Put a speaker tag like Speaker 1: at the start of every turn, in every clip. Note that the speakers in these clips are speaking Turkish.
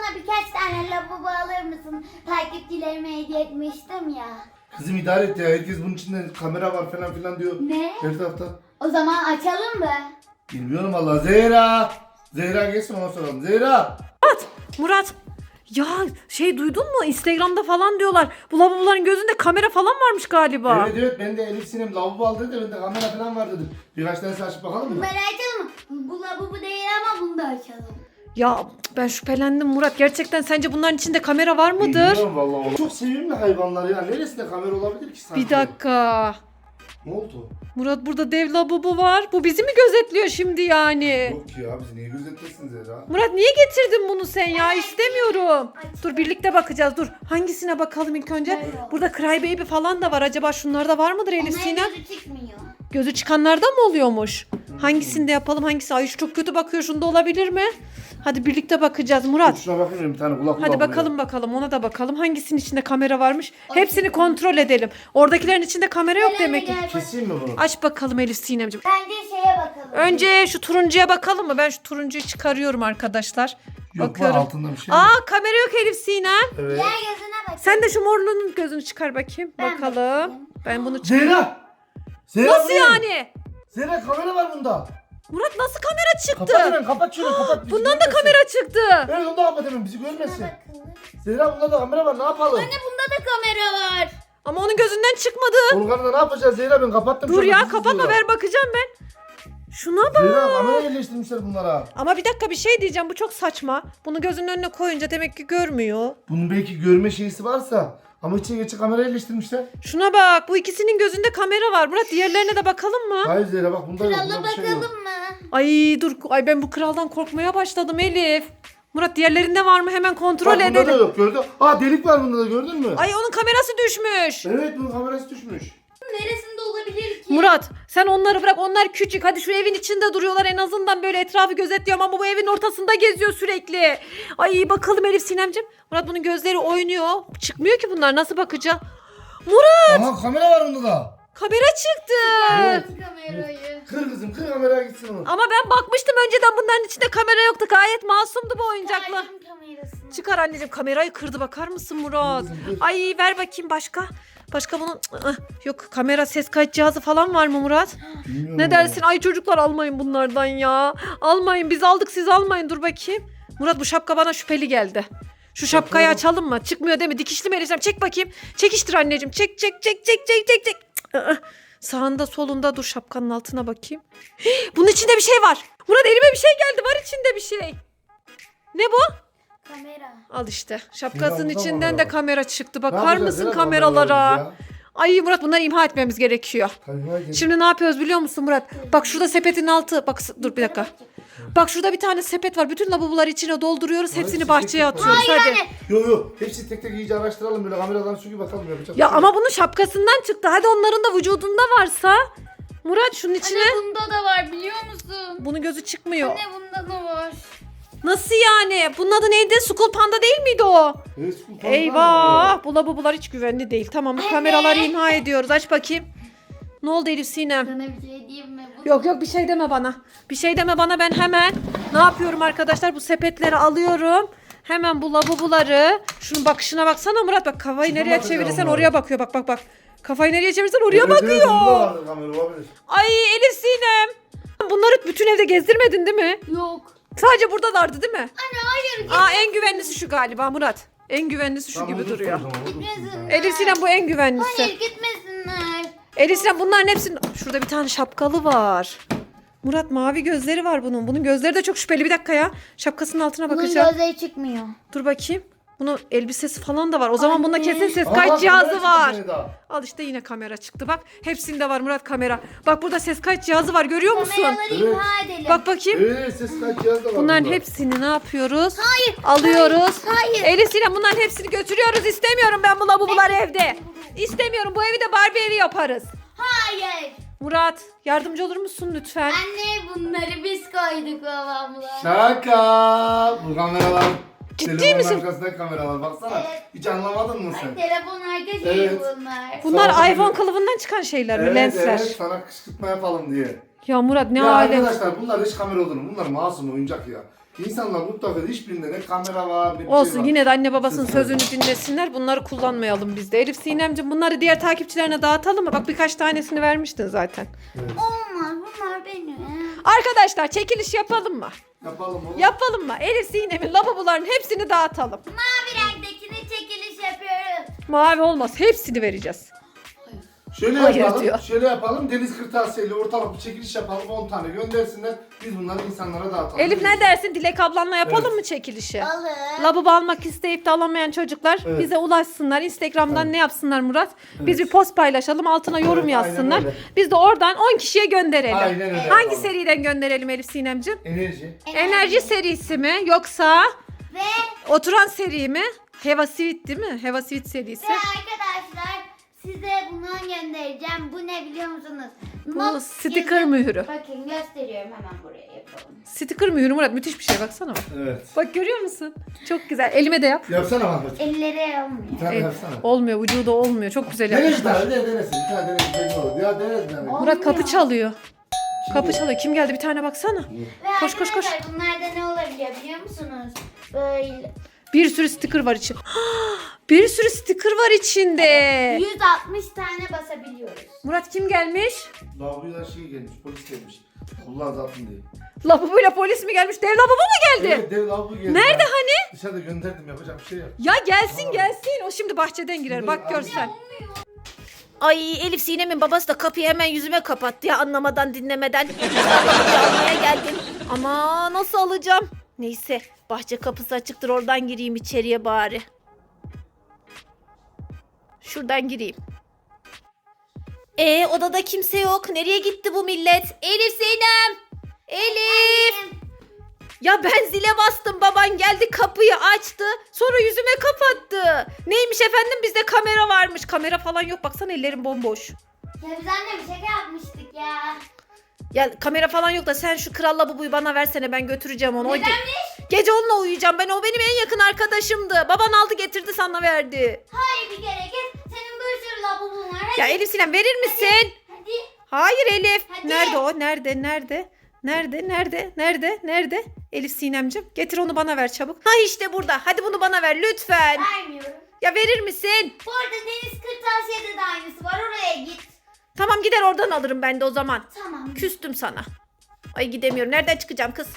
Speaker 1: bana birkaç tane lavabo alır mısın? Takipçilerime hediye etmiştim ya.
Speaker 2: Kızım idare et ya. Herkes bunun içinde kamera var falan filan diyor.
Speaker 1: Ne?
Speaker 2: Her tarafta.
Speaker 1: O zaman açalım mı?
Speaker 2: Bilmiyorum valla. Zehra. Zehra gelsin ona soralım. Zehra.
Speaker 3: Murat. Ya duydun mu? Instagram'da falan diyorlar. Bu lavaboların gözünde kamera falan varmış galiba.
Speaker 2: Evet evet ben de Elif Sinem lavabo aldı dedi. Ben de kamera falan var dedim. Birkaç tane açıp bakalım mı?
Speaker 1: Bunları açalım mı? Bu lavabo değil ama bunu da açalım.
Speaker 3: Ya ben şüphelendim Murat. Gerçekten sence bunların içinde kamera var mıdır?
Speaker 2: Bilmiyorum valla. Çok sevimli hayvanlar ya. Neresinde kamera olabilir ki sanki?
Speaker 3: Bir dakika.
Speaker 2: Ne oldu?
Speaker 3: Murat burada dev lavabo var. Bu bizi mi gözetliyor şimdi yani?
Speaker 2: Yok ya bizi niye gözetlesin Zehra?
Speaker 3: Murat niye getirdin bunu sen ya? İstemiyorum. Dur birlikte bakacağız. Dur. Hangisine bakalım ilk önce?
Speaker 1: Böyle.
Speaker 3: Burada Cry Baby falan da var. Acaba şunlarda var mıdır Elif
Speaker 1: Onların
Speaker 3: Sinem?
Speaker 1: gözü çıkmıyor.
Speaker 3: Gözü çıkanlardan mı oluyormuş? Hangisinde yapalım? Hangisi? Ay şu çok kötü bakıyor. Şunda olabilir mi? Hadi birlikte bakacağız Murat.
Speaker 2: Şuna bakayım bir tane kulak
Speaker 3: Hadi
Speaker 2: kulağı
Speaker 3: bakalım ona da bakalım. Hangisinin içinde kamera varmış? Hepsini kontrol edelim. Oradakilerin içinde kamera yok demek ki.
Speaker 2: buraya. Keseyim mi bunu?
Speaker 3: Aç bakalım Elif Sinemciğim.
Speaker 1: Bence şeye bakalım.
Speaker 3: Önce şu turuncuya bakalım mı? Ben şu turuncuyu çıkarıyorum arkadaşlar.
Speaker 2: Yok
Speaker 3: Bakıyorum.
Speaker 2: var altında bir şey mi?
Speaker 3: Aa kamera yok Elif Sinem.
Speaker 2: Evet.
Speaker 1: Diğer gözüne bak.
Speaker 3: Sen de şu morluğunun gözünü çıkar bakayım.
Speaker 1: Ben
Speaker 3: Bakalım.
Speaker 1: bakayım.
Speaker 3: Ben bunu çıkar.
Speaker 2: Zehra! Zehra
Speaker 3: Nasıl
Speaker 2: bu ne?
Speaker 3: yani?
Speaker 2: Zehra kamera var bunda.
Speaker 3: Murat nasıl kamera çıktı?
Speaker 2: Kapat hemen kapat şunu kapat. bizi
Speaker 3: Bundan da
Speaker 2: görmesin.
Speaker 3: kamera çıktı.
Speaker 2: Evet onu da kapat hemen bizi görmesin.
Speaker 1: Bakalım.
Speaker 2: Zehra bunda da kamera var ne yapalım?
Speaker 1: Bunda da kamera var.
Speaker 3: Ama onun gözünden çıkmadı.
Speaker 2: Volkan'da ne yapacağız Zehra ben kapattım.
Speaker 3: Dur
Speaker 2: şu an,
Speaker 3: ya
Speaker 2: bizi
Speaker 3: kapatma
Speaker 2: izliyorlar.
Speaker 3: ver bakacağım ben. Şuna bak.
Speaker 2: Zehra kamera yerleştirmişler bunlara.
Speaker 3: Ama bir dakika bir şey diyeceğim bu çok saçma. Bunu gözünün önüne koyunca demek ki görmüyor.
Speaker 2: Bunun belki görme şeysi varsa ama içine geçe kamera yerleştirmişler.
Speaker 3: Şuna bak bu ikisinin gözünde kamera var. Murat diğerlerine de bakalım mı?
Speaker 2: Hayır Zehra bak bunda yok.
Speaker 1: Krala
Speaker 2: Bunda bir şey yok.
Speaker 1: bakalım mı?
Speaker 3: Ay dur ay ben bu kraldan korkmaya başladım Elif. Murat diğerlerinde var mı hemen kontrol
Speaker 2: Bak bunda da
Speaker 3: edelim.
Speaker 2: yok gördün. Aa delik var bunda da gördün mü?
Speaker 3: Ay onun kamerası düşmüş.
Speaker 2: Evet bunun kamerası düşmüş.
Speaker 1: Neresinde olabilir ki?
Speaker 3: Murat sen onları bırak onlar küçük. Hadi şu evin içinde duruyorlar en azından böyle etrafı gözetliyorum ama bu evin ortasında geziyor sürekli. Ay bakalım Elif Sinemciğim. Murat bunun gözleri oynuyor. Çıkmıyor ki bunlar nasıl bakacağım? Murat
Speaker 2: Aha kamera var bunda da.
Speaker 3: kamera çıktı.
Speaker 2: Evet.
Speaker 1: Kamerayı.
Speaker 2: Kır kızım kır kameraya gitsin onu.
Speaker 3: Ama ben bakmıştım önceden bunların içinde kamera yoktu. Gayet masumdu bu oyuncaklar.
Speaker 1: Kaydın kamerasını.
Speaker 3: Çıkar anneciğim kamerayı kırdı bakar mısın Murat? Ay ver bakayım başka. Başka bunun yok kamera ses kayıt cihazı falan var mı Murat?
Speaker 2: Bilmiyorum
Speaker 3: Ne
Speaker 2: ama.
Speaker 3: dersin? Ay çocuklar almayın bunlardan ya. Almayın biz aldık siz almayın dur bakayım. Murat bu şapka bana şüpheli geldi. Şu şapkayı
Speaker 2: Bakalım.
Speaker 3: açalım mı? Çıkmıyor değil mi? Dikişli mi Elisem? Çek bakayım. Çekiştir anneciğim. Çek çek çek çek çek çek çek. Sağında solunda dur şapkanın altına bakayım. Bunun içinde bir şey var. Murat elime bir şey geldi. Var içinde bir şey. Ne bu?
Speaker 1: Kamera.
Speaker 3: Al işte. Şapkasının
Speaker 2: burada
Speaker 3: içinden
Speaker 2: var
Speaker 3: de
Speaker 2: ya.
Speaker 3: kamera çıktı.
Speaker 2: Ne
Speaker 3: Bakar
Speaker 2: yapacağız
Speaker 3: mısın
Speaker 2: Zehra
Speaker 3: kameralara?
Speaker 2: kameralarımız ya?
Speaker 3: Ay Murat bunları imha etmemiz gerekiyor.
Speaker 2: Kamera gel.
Speaker 3: Şimdi ne yapıyoruz biliyor musun Murat? Bak şurada sepetin altı. Bak dur bir dakika. Bak şurada bir tane sepet var. Bütün lavaboları içine dolduruyoruz.
Speaker 2: Hayır,
Speaker 3: Hepsini
Speaker 2: tek
Speaker 3: bahçeye
Speaker 2: tek
Speaker 3: atıyoruz. Hadi.
Speaker 2: Yok yok hepsi tek tek iyice araştıralım böyle kameradan çünkü bakalım yapacak.
Speaker 3: Ya
Speaker 2: bir şey
Speaker 3: ama
Speaker 2: yok.
Speaker 3: bunun şapkasından çıktı. Hadi onların da vücudunda varsa. Murat şunun içine.
Speaker 1: Anne bunda da var biliyor musun?
Speaker 3: Bunun gözü çıkmıyor.
Speaker 1: Anne bunda da var.
Speaker 3: Nasıl yani? Bunun adı neydi? School Panda değil miydi o?
Speaker 2: Evet, bu fazla mı?
Speaker 3: Eyvah. Bu lavabolar hiç güvenli değil. Tamam bu kameraları imha ediyoruz. Aç bakayım. Ne oldu Elif Sinem?
Speaker 1: Sana bir şey diyeyim mi? Bu
Speaker 3: Yok yok bir şey deme bana. Bir şey deme bana ben hemen ne yapıyorum arkadaşlar bu sepetleri alıyorum. Hemen bu lavaboları şunun bakışına baksana Murat bak kafayı
Speaker 2: Şuna
Speaker 3: nereye
Speaker 2: bakacağım
Speaker 3: çevirirsen
Speaker 2: Murat.
Speaker 3: oraya bakıyor bak bak bak. Kafayı nereye çevirirsen oraya
Speaker 2: Evet, evet,
Speaker 3: bakıyor.
Speaker 2: bunda vardı kamera olabilir.
Speaker 3: Ay Elif Sinem. Bunları bütün evde gezdirmedin değil mi?
Speaker 1: yok.
Speaker 3: Sadece buradalardı değil mi?
Speaker 1: Anne hayır.
Speaker 3: Aa en güvenlisi şu galiba Murat. En güvenlisi şu
Speaker 2: Tamam,
Speaker 3: gibi
Speaker 2: dur,
Speaker 3: duruyor.
Speaker 2: tamam, dur, dur.
Speaker 1: Gitmesinler.
Speaker 3: Elif Sinem bu en güvenlisi.
Speaker 1: Hayır gitmesinler.
Speaker 3: Elif Sinem bunların hepsinin... Şurada bir tane şapkalı var. Murat mavi gözleri var bunun. Bunun gözleri de çok şüpheli. Bir dakika ya. Şapkasının altına
Speaker 1: Bunun
Speaker 3: bakacağım.
Speaker 1: gözleri çıkmıyor.
Speaker 3: Dur bakayım. Bunun elbisesi falan da var. O zaman bunda
Speaker 1: Anne.
Speaker 3: kesin ses
Speaker 2: Aa,
Speaker 3: kayıt
Speaker 2: bak,
Speaker 3: cihazı
Speaker 2: kamera
Speaker 3: var.
Speaker 2: çıktı daha.
Speaker 3: Al işte yine kamera çıktı. Bak hepsinde var Murat kamera. Bak burada ses kayıt cihazı var. Görüyor musun?
Speaker 1: Kameraları
Speaker 2: Evet.
Speaker 1: imha edelim.
Speaker 3: Bak bakayım.
Speaker 2: Evet ses kayıt cihazı da var
Speaker 3: Bunların
Speaker 2: bunda.
Speaker 3: hepsini ne yapıyoruz?
Speaker 1: Hayır.
Speaker 3: Alıyoruz.
Speaker 1: Hayır.
Speaker 3: Elif Sinem bunların hepsini götürüyoruz. İstemiyorum ben bu lavaboları evde. İstemiyorum. Bu evi de Barbie evi yaparız.
Speaker 1: Hayır.
Speaker 3: Murat yardımcı olur musun lütfen?
Speaker 1: Anne bunları biz koyduk babamla.
Speaker 2: Şaka. Bu kameralar.
Speaker 3: Ciddi
Speaker 2: Telefonun
Speaker 3: misin?
Speaker 2: arkasındaki kameralar baksana.
Speaker 1: Evet.
Speaker 2: Hiç anlamadın mı
Speaker 1: Ay,
Speaker 2: sen?
Speaker 1: telefon arka şeyi
Speaker 2: Evet.
Speaker 1: bunlar.
Speaker 3: Bunlar
Speaker 2: Sağ ol.
Speaker 3: iPhone kılıfından çıkan şeyler mi?
Speaker 2: Evet
Speaker 3: Lensler.
Speaker 2: evet sana kışkırtma yapalım diye.
Speaker 3: Ya Murat ne
Speaker 2: Ya
Speaker 3: alem.
Speaker 2: arkadaşlar bunlar hiç kamera olur mu? Bunlar masum oyuncak ya. İnsanlar mutlaka hiçbirinde ne kamera var ne bir
Speaker 3: Olsun
Speaker 2: şey var.
Speaker 3: yine de anne babasının
Speaker 2: Ses
Speaker 3: sözünü dinlesinler. Bunları kullanmayalım biz de. Elif Sinemciğim bunları diğer takipçilerine dağıtalım mı? Bak birkaç tanesini vermiştin zaten.
Speaker 2: Evet.
Speaker 1: Olmaz bunlar benim.
Speaker 3: Arkadaşlar çekiliş yapalım mı?
Speaker 2: Yapalım oğlum.
Speaker 3: Yapalım mı? Elif Sinem'in lavaboların hepsini dağıtalım.
Speaker 1: Mavi renktekini çekiliş yapıyoruz.
Speaker 3: Mavi olmaz. Hepsini vereceğiz.
Speaker 2: Şöyle
Speaker 3: Hayır
Speaker 2: yapalım.
Speaker 3: diyor.
Speaker 2: Şöyle yapalım. Deniz kırtasiyeyle ortalık bir çekiliş yapalım. 10 tane göndersinler. Biz bunları insanlara dağıtalım.
Speaker 3: Elif ne dersin? Dilek ablanla yapalım
Speaker 2: Evet.
Speaker 3: mı çekilişi?
Speaker 1: Alır.
Speaker 3: Lavabo almak isteyip de alamayan çocuklar
Speaker 2: Evet.
Speaker 3: bize ulaşsınlar. Instagram'dan
Speaker 2: Evet.
Speaker 3: ne yapsınlar Murat? Biz
Speaker 2: Evet.
Speaker 3: bir post paylaşalım. Altına yorum
Speaker 2: Evet,
Speaker 3: yazsınlar.
Speaker 2: aynen öyle.
Speaker 3: Biz de oradan 10 kişiye gönderelim.
Speaker 2: Aynen öyle
Speaker 3: Hangi
Speaker 2: yapalım.
Speaker 3: seriden gönderelim Elif Sinemciğim?
Speaker 2: Enerji.
Speaker 3: Enerji serisi mi yoksa
Speaker 1: Ve
Speaker 3: oturan seri mi? Heva Sweet değil mi? Heva Sweet serisi.
Speaker 1: arkadaşlar size bundan göndereceğim. Bu ne biliyor musunuz?
Speaker 3: Bu sticker mühürü.
Speaker 1: Bakın gösteriyorum hemen buraya yapalım.
Speaker 3: Sticker mühürü Murat müthiş bir şey baksana bak.
Speaker 2: Evet.
Speaker 3: Bak görüyor musun? Çok güzel. Elime de yap.
Speaker 2: Yapsana Mahmut.
Speaker 1: Elleri olmuyor.
Speaker 2: Bir tane yapsana.
Speaker 3: Olmuyor vücuda olmuyor. Çok güzel
Speaker 2: Dene bir
Speaker 3: yapmışlar.
Speaker 2: tane. Denesin. Bir tane denesin. Belli olur. Ya dene bir tane.
Speaker 3: Murat kapı çalıyor. Kapı çalıyor. Kim geldi? Bir tane baksana.
Speaker 1: Ve
Speaker 3: Koş, koş, koş.
Speaker 1: arkadaşlar bunlarda ne olabiliyor biliyor musunuz? Böyle
Speaker 3: Bir sürü sticker var içinde. Bir sürü sticker var içinde.
Speaker 1: 160 tane basabiliyoruz.
Speaker 3: Murat kim gelmiş?
Speaker 2: Lavaboya şey gelmiş. Polis gelmiş. Allah zaten diye.
Speaker 3: Lavabuyla polis mi gelmiş? Dev lavabo mu geldi?
Speaker 2: Evet, dev lavabo geldi.
Speaker 3: Nerede
Speaker 2: Ben
Speaker 3: hani?
Speaker 2: Dışarıda gönderdim. Yapacak bir şey yok.
Speaker 3: Ya gelsin
Speaker 2: Tamam.
Speaker 3: gelsin. O şimdi bahçeden girer. Bak
Speaker 2: Abi.
Speaker 3: görsen. Ay Elif Sinem'in babası da kapıyı hemen yüzüme kapattı ya anlamadan dinlemeden. Kapıyı almaya geldim. Ama nasıl alacağım? Neyse bahçe kapısı açıktır oradan gireyim içeriye bari. Şuradan gireyim. Odada kimse yok. Nereye gitti bu millet? Elif Sinem! Elif! Ya ben zile bastım baban geldi kapıyı açtı sonra yüzüme kapattı. Neymiş efendim bizde kamera varmış. Kamera falan yok baksana ellerim bomboş.
Speaker 1: Ya biz anne bir şaka yapmıştık ya.
Speaker 3: Ya kamera falan yok da sen şu kral lavaboyu bana versene ben götüreceğim onu.
Speaker 1: Nedenmiş?
Speaker 3: Gece onunla uyuyacağım ben o benim en yakın arkadaşımdı. Baban aldı getirdi sana verdi.
Speaker 1: Hayır bir kere git. Senin bir sürü lavabon var. Hadi.
Speaker 3: Ya Elif Sinem verir misin?
Speaker 1: Hadi.
Speaker 3: Hayır Elif.
Speaker 1: Hadi.
Speaker 3: Nerede o? Nerede? Elif Sinemcim getir onu bana ver çabuk. Ha işte burada. Hadi bunu bana ver lütfen.
Speaker 1: Vermiyorum.
Speaker 3: Ya verir misin?
Speaker 1: Bu arada deniz kırtasiyede de aynısı var. Oraya git.
Speaker 3: Tamam gider oradan alırım ben de o zaman.
Speaker 1: Tamam.
Speaker 3: Küstüm sana. Ay gidemiyorum. Nereden çıkacağım kız?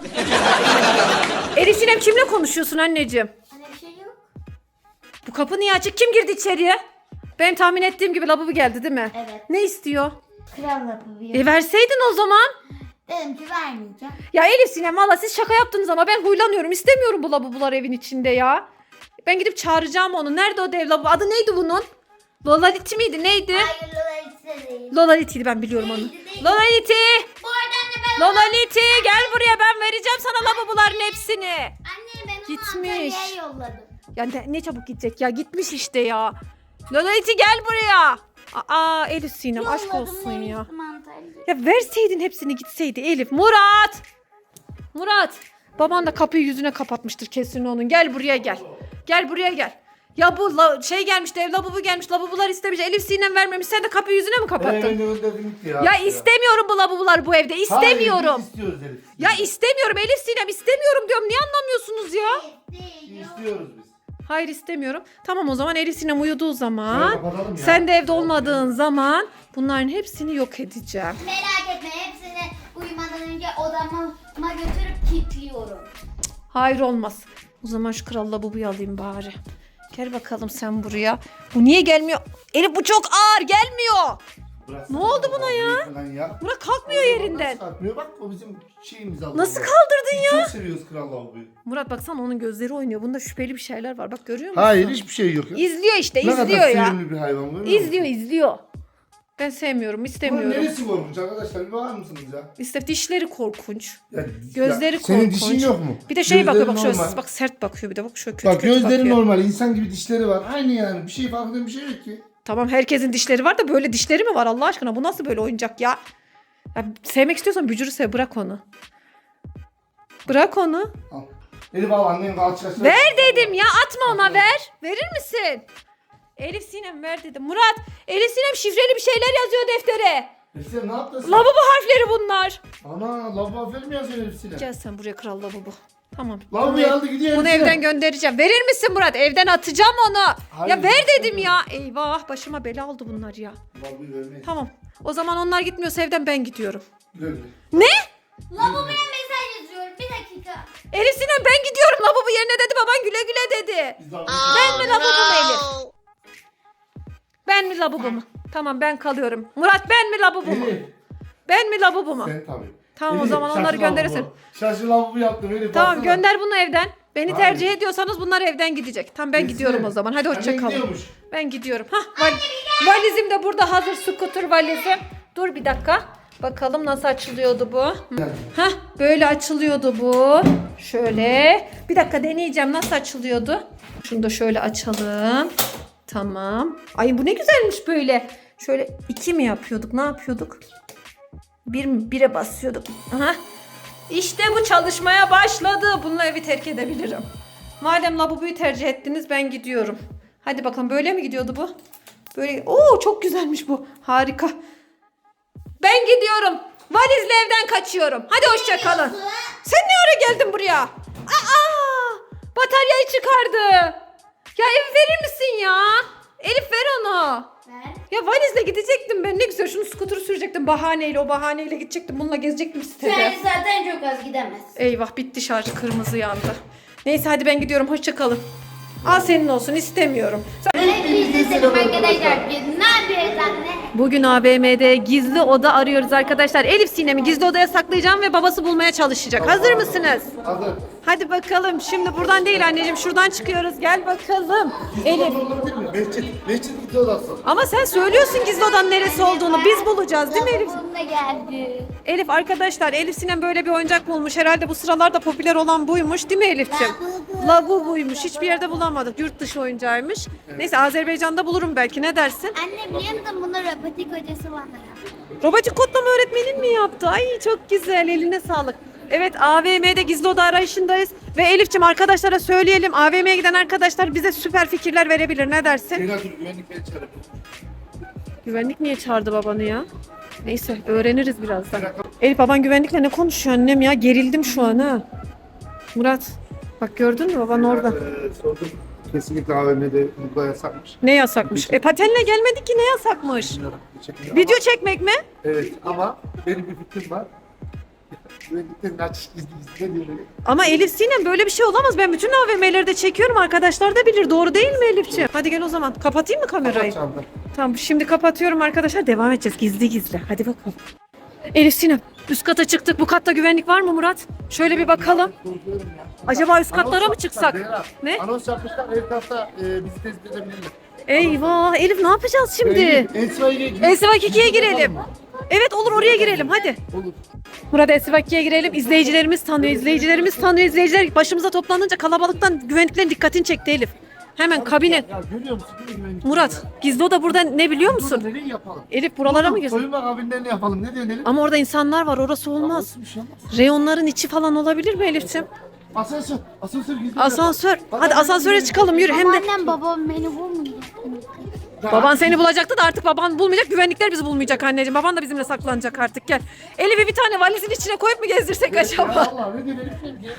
Speaker 3: Elif Sinem kimle konuşuyorsun anneciğim?
Speaker 1: Hani bir şey yok.
Speaker 3: Bu kapı niye açık? Kim girdi içeriye? Benim tahmin ettiğim gibi lavabo geldi değil mi?
Speaker 1: Evet.
Speaker 3: Ne istiyor?
Speaker 1: Kral yapıyor.
Speaker 3: Verseydin o zaman.
Speaker 1: Dedim ki vermeyeceğim.
Speaker 3: Ya Elif Sinem valla siz şaka yaptınız ama ben huylanıyorum. İstemiyorum bu lavabolar evin içinde ya. Ben gidip çağıracağım onu. Nerede o dev lavabo? Adı neydi bunun? Lolaliti miydi? Neydi?
Speaker 1: Hayır Lola değil.
Speaker 3: Lolaliti'ydi ben biliyorum onu.
Speaker 1: Değil.
Speaker 3: Lolaliti!
Speaker 1: Bu arada anne ben
Speaker 3: Lolaliti gel buraya ben vereceğim sana lavaboların hepsini.
Speaker 1: Anne ben onu
Speaker 3: Gitmiş.
Speaker 1: Antalya'ya yolladım.
Speaker 3: Ya ne çabuk gidecek ya gitmiş işte ya. Lolaliti gel buraya. Aa Elif Sinem aşk
Speaker 1: Yolladım,
Speaker 3: olsun ya.
Speaker 1: demiştim Antalya'ya.
Speaker 3: Ya verseydin hepsini gitseydi Elif. Murat. Baban da kapıyı yüzüne kapatmıştır kesin onun. Gel buraya gel. Gel buraya gel. Ya bu gelmiş dev lavabo gelmiş. Lavabolar istemiş. Elif Sinem vermemiş. Sen de kapıyı yüzüne mi kapattın?
Speaker 2: Ben de gönderdim gitti ya.
Speaker 3: Ya istemiyorum bu lavabolar bu evde. İstemiyorum.
Speaker 2: Hayır, biz istiyoruz Elif.
Speaker 3: Ya istemiyorum Elif Sinem istemiyorum diyorum. Niye anlamıyorsunuz ya?
Speaker 1: Değil. yok.
Speaker 2: İstiyoruz biz.
Speaker 3: Hayır istemiyorum. Tamam o zaman Elif Sinem uyuduğu zaman
Speaker 2: Şöyle kapatalım ya.
Speaker 3: sen de evde olmadığın zaman bunların hepsini yok edeceğim.
Speaker 1: Merak etme hepsini uyumadan önce odama götürüp kilitliyorum.
Speaker 3: Hayır olmaz. O zaman şu kral lavaboyu alayım bari. Gel bakalım sen buraya. Bu niye gelmiyor? Elif bu çok ağır gelmiyor.
Speaker 2: Bıraksana
Speaker 3: Ne oldu buna
Speaker 2: lavaboyu
Speaker 3: ya?
Speaker 2: falan ya.
Speaker 3: Murat kalkmıyor yerinden.
Speaker 2: Kalkmıyor bak o bizim şeyimiz aldı.
Speaker 3: Nasıl kaldırdın
Speaker 2: Biz
Speaker 3: ya?
Speaker 2: çok seviyoruz kral lavaboyu.
Speaker 3: Murat baksana onun gözleri oynuyor. Bunda şüpheli bir şeyler var. Bak görüyor musun?
Speaker 2: Hayır hiçbir şey yok ya.
Speaker 3: İzliyor işte
Speaker 2: Ne kadar
Speaker 3: izliyor ya.
Speaker 2: sevimli bir hayvan görüyor musun?
Speaker 3: İzliyor. Ben sevmiyorum
Speaker 2: Bunun
Speaker 3: istemiyorum.
Speaker 2: neresi korkunç arkadaşlar bir bakar mısınız ya?
Speaker 3: İşte dişleri korkunç.
Speaker 2: Ya,
Speaker 3: Gözleri
Speaker 2: ya, senin
Speaker 3: korkunç.
Speaker 2: dişin yok mu?
Speaker 3: Bir de şey bakıyor
Speaker 2: Gözleri
Speaker 3: bak şöyle
Speaker 2: normal.
Speaker 3: bak sert bakıyor bir de bak şöyle kötü
Speaker 2: Bak
Speaker 3: kötü
Speaker 2: gözleri
Speaker 3: bakıyor.
Speaker 2: normal insan gibi dişleri var. Aynı yani bir şey farklı bir şey yok ki.
Speaker 3: Tamam herkesin dişleri var da böyle dişleri mi var Allah aşkına? Bu nasıl böyle oyuncak ya? Ya sevmek istiyorsan bücürü sev bırak onu. Bırak onu.
Speaker 2: Al. Elif al annen kalçasına.
Speaker 3: Ver dedim ya atma ona ver. Verir misin? Elif Sinem ver dedim. Murat Elif Sinem şifreli bir şeyler yazıyor deftere.
Speaker 2: Elif sen ne yaptın sen?
Speaker 3: Lavabo harfleri bunlar.
Speaker 2: Ana lavabo aferin mi yazıyorsun Elif Sinem?
Speaker 3: Gel sen buraya kral lavabo. Tamam.
Speaker 2: Lavaboyu aldı gidiyor.
Speaker 3: Bunu
Speaker 2: Elif
Speaker 3: evden
Speaker 2: Sinem.
Speaker 3: göndereceğim. Verir misin Murat? Evden atacağım onu.
Speaker 2: Hayır,
Speaker 3: Ya ver dedim
Speaker 2: istemiyorum.
Speaker 3: ya. Eyvah başıma bela oldu bunlar ya.
Speaker 2: Lavaboyu vermeyin.
Speaker 3: Tamam. O zaman onlar gitmiyorsa evden ben gidiyorum.
Speaker 2: Güle güle.
Speaker 3: Ne?
Speaker 1: Lavaboya mesaj yazıyorum. Bir dakika.
Speaker 3: Elif Sinem ben gidiyorum. Lavabo yerine dedi. Baban güle güle dedi.
Speaker 2: Biz lavaboyu
Speaker 3: Ben mi lavabo mu Elif? Ben mi lavabo mu? Tamam ben kalıyorum. Murat ben mi lavabo mu?
Speaker 2: Elif.
Speaker 3: Ben mi lavabo mu?
Speaker 2: Sen tabii.
Speaker 3: Tamam, o
Speaker 2: Elif,
Speaker 3: zaman onları
Speaker 2: şaşı
Speaker 3: gönderirsin.
Speaker 2: lavabo. Şaşı lavabo yaptım Elif.
Speaker 3: Tamam
Speaker 2: baksana.
Speaker 3: gönder bunu evden. Beni
Speaker 2: Hayır.
Speaker 3: tercih ediyorsanız bunlar evden gidecek. Tamam ben
Speaker 2: Kesin.
Speaker 3: gidiyorum o zaman. Hadi hoşça
Speaker 2: Hemen
Speaker 3: kalın.
Speaker 2: gidiyormuş.
Speaker 3: Ben gidiyorum. Valizim de burada hazır, scooter valizim. Dur bir dakika. Bakalım nasıl açılıyordu bu. Hah böyle açılıyordu bu. Şöyle. Bir dakika deneyeceğim nasıl açılıyordu. Şunu da şöyle açalım. Tamam. Ay bu ne güzelmiş böyle. Şöyle 2 mi yapıyorduk? Ne yapıyorduk? 1'e basıyorduk. Aha. İşte bu çalışmaya başladı. Bununla evi terk edebilirim. Madem lavaboyu tercih ettiniz ben gidiyorum. Hadi bakalım böyle mi gidiyordu bu? Böyle. Oo çok güzelmiş bu. Harika. Ben gidiyorum. Valizle evden kaçıyorum. Hadi hoşça kalın. Sen ne ara geldin buraya? Aa! Bataryayı çıkardı. Ya evi verir misin ya? Elif ver onu.
Speaker 1: Ver.
Speaker 3: Ya valizle gidecektim ben. Ne güzel şunu scooter'ı sürecektim bahaneyle. O bahaneyle gidecektim. Bununla gezecektim sitede.
Speaker 1: Sen zaten çok az gidemezsin.
Speaker 3: Eyvah bitti şarjı kırmızı yandı. Neyse hadi ben gidiyorum. Hoşça kalın. Al senin olsun istemiyorum.
Speaker 1: Hepinize selam arkadaşlar. Biz ne yapıyoruz anne?
Speaker 3: Bugün AVM'de gizli oda arıyoruz arkadaşlar. Elif Sinem'i gizli odaya saklayacağım ve babası bulmaya çalışacak. Hazır mısınız?
Speaker 2: Hazır.
Speaker 3: Hadi bakalım. Şimdi buradan değil anneciğim. Şuradan çıkıyoruz. Gel bakalım. Elif.
Speaker 2: Olabilir mi? Mescit gizli odası.
Speaker 3: Ama sen söylüyorsun gizli odanın neresi olduğunu. Biz bulacağız değil mi Elif?
Speaker 1: Babam da geldi.
Speaker 3: Elif arkadaşlar Elif Sinem böyle bir oyuncak bulmuş. Herhalde bu sıralarda popüler olan buymuş değil mi Elif'ciğim? Labubuymuş. Hiçbir yerde bulamadık. Yurt dışı oyuncağıymış. Neyse Azerbaycan'da bulurum belki. Ne dersin?
Speaker 1: Anne biliyor musun bunda robotik hocası var.
Speaker 3: Robotik kodlama öğretmenin mi yaptı? Ay çok güzel. Eline sağlık. Evet AVM'de gizli oda arayışındayız. Ve Elif'ciğim arkadaşlara söyleyelim. AVM'ye giden arkadaşlar bize süper fikirler verebilir. Ne dersin?
Speaker 2: Şeyler dur güvenlik beni çağırıyor.
Speaker 3: Güvenlik niye çağırdı babanı ya? Neyse öğreniriz birazdan. Elif baban güvenlikle ne konuşuyor annem ya? Gerildim şu an ha. Murat bak gördün mü baban orada.
Speaker 2: Sordum. Kesinlikle AVM'de burada yasakmış.
Speaker 3: Ne yasakmış? Patenle gelmedik ki ne yasakmış?
Speaker 2: Bilmiyorum. Çekmiyor
Speaker 3: Video
Speaker 2: ama-
Speaker 3: çekmek mi?
Speaker 2: Evet ama benim bir fikrim var. Güvenliklerin açış gizli gizli ne diyor?
Speaker 3: Ama Elif Sinem böyle bir şey olamaz. Ben bütün AVM'leri de çekiyorum. Arkadaşlar da bilir. Doğru değil mi Elifciğim? Hadi gel o zaman. Kapatayım mı kamerayı?
Speaker 2: Çaldı.
Speaker 3: Tamam şimdi kapatıyorum arkadaşlar. Devam edeceğiz gizli gizli. Hadi bakalım. Elif Sinem üst kata çıktık. Bu katta güvenlik var mı Murat? Şöyle bir bakalım.
Speaker 2: Korkuyorum ya.
Speaker 3: Acaba üst katlara mı
Speaker 2: Anons
Speaker 3: çıksak?
Speaker 2: yapmışlar,
Speaker 3: Ne?
Speaker 2: Anons yapmışlar. Her tarafta bizi tespit edebilirler.
Speaker 3: Eyvah Elif ne yapacağız şimdi? Esvak 2'ye girelim. Evet olur oraya girelim hadi.
Speaker 2: Olur.
Speaker 3: Burada Esvak 2'ye girelim. İzleyicilerimiz tanıyor. İzleyiciler başımıza toplanınca kalabalıktan güvenliklerin dikkatini çekti Elif. Hemen kabine.
Speaker 2: Ya görüyor musun? Değil mi güvenlik?
Speaker 3: Murat gizli oda burada ne biliyor
Speaker 2: Burada
Speaker 3: musun?
Speaker 2: nereyi yapalım?
Speaker 3: Elif buralara mı girsin?
Speaker 2: Soyunma kabinlerini yapalım. Ne diyorsun Elif?
Speaker 3: Ama orada insanlar var orası olmaz.
Speaker 2: Olsun, bir şey olmaz.
Speaker 3: Reyonların içi falan olabilir mi Elif'ciğim?
Speaker 2: Asansör. Asansör gizli.
Speaker 3: Asansör.
Speaker 2: Bak,
Speaker 3: Hadi asansöre çıkalım yürü hem de.
Speaker 1: Annem babam beni bulmayacak.
Speaker 3: Baban seni bulacaktı da artık baban bulmayacak. Güvenlikler bizi bulmayacak anneciğim. Baban da bizimle saklanacak artık gel. Elif'i bir tane valizin içine koyup mu gezdirsek acaba?
Speaker 2: Allah ne diyorsun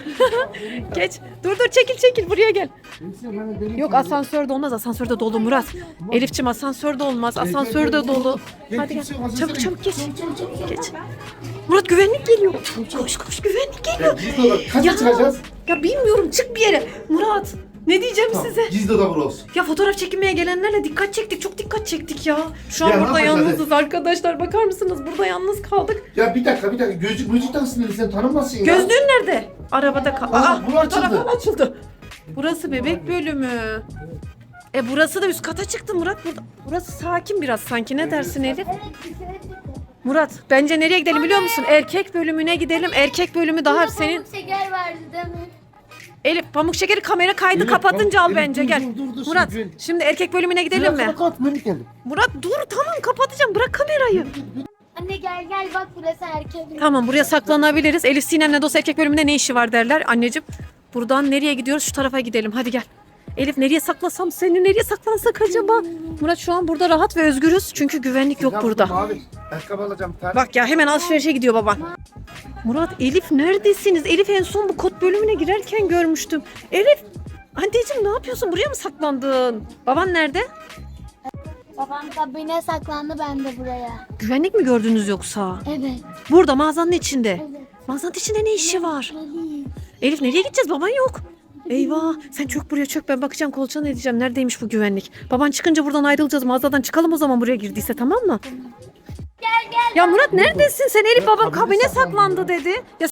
Speaker 2: Elif?
Speaker 3: Geç. Dur çekil buraya gel.
Speaker 2: Elif,
Speaker 3: Yok asansörde olmaz. Asansörde dolu Murat. Elif'ciğim asansörde olmaz. Asansörde dolu. Hadi gel. Çabuk geç. Geç. Murat güvenlik geliyor. Koş güvenlik geliyor.
Speaker 2: Gizli oda. Kaça çıkacağız?
Speaker 3: Ya bilmiyorum çık bir yere. Murat ne diyeceğim size?
Speaker 2: Gizli oda burası.
Speaker 3: Ya fotoğraf çekinmeye gelenlerle dikkat çektik. Çok dikkat çektik ya. Şu an
Speaker 2: Ya ne
Speaker 3: burada
Speaker 2: yapacağız?
Speaker 3: yalnızız arkadaşlar. Bakar mısınız? Burada yalnız kaldık.
Speaker 2: Ya bir dakika. Gözlük taksın Elif, sen tanınmasın ya.
Speaker 3: Gözlüğün nerede? Arabada kal.
Speaker 2: Aa, bu
Speaker 3: bu taraf
Speaker 2: açıldı.
Speaker 3: açıldı. Burası bebek bölümü. Burası da üst kata çıktı Murat. Burası sakin biraz sanki. Ne dersin Elif?
Speaker 1: Evet dışarı çıktı.
Speaker 3: Murat bence nereye gidelim biliyor musun? Erkek bölümüne gidelim. Erkek bölümü daha senin.
Speaker 1: Pamuk şeker vardı değil mi?
Speaker 3: Elif pamuk şekeri kamera kaydı
Speaker 2: Elif,
Speaker 3: kapatınca al
Speaker 2: Elif,
Speaker 3: bence
Speaker 2: dur,
Speaker 3: gel.
Speaker 2: dur,
Speaker 3: Murat
Speaker 2: şimdi.
Speaker 3: şimdi erkek bölümüne gidelim mi?
Speaker 2: Kapat minik geldim.
Speaker 3: Murat dur tamam kapatacağım bırak kamerayı.
Speaker 1: Anne gel bak burası erkek.
Speaker 3: Tamam buraya saklanabiliriz. Elif Sinem'le dost erkek bölümünde ne işi var derler. Anneciğim buradan nereye gidiyoruz? Şu tarafa gidelim hadi gel. Elif nereye saklasam seni nereye saklansak acaba? Murat şu an burada rahat ve özgürüz çünkü güvenlik yok burada.
Speaker 2: Mavi. Ayakkabı alacağım bir tane.
Speaker 3: Bak ya hemen alışverişe gidiyor baban. Murat, Elif neredesiniz? Elif en son bu kod bölümüne girerken görmüştüm. Elif, anneciğim ne yapıyorsun? Buraya mı saklandın? Baban nerede?
Speaker 1: Babam kabine saklandı, ben de buraya.
Speaker 3: Güvenlik mi gördünüz yoksa?
Speaker 1: Evet.
Speaker 3: Burada mağazanın içinde.
Speaker 1: Evet.
Speaker 3: Mağazanın içinde ne işi var?
Speaker 1: Elif.
Speaker 3: Elif nereye gideceğiz? Baban yok. Eyvah, sen çök buraya çök, ben bakacağım kolçana edeceğim. Neredeymiş bu güvenlik? Baban çıkınca buradan ayrılacağız, mağazadan çıkalım o zaman, buraya girdiyse, tamam mı?
Speaker 1: Gel gel.
Speaker 3: Ya Murat neredesin sen? Elif babam
Speaker 2: Kabine
Speaker 3: kabine
Speaker 2: saklandı
Speaker 3: saklandı dedi. Ya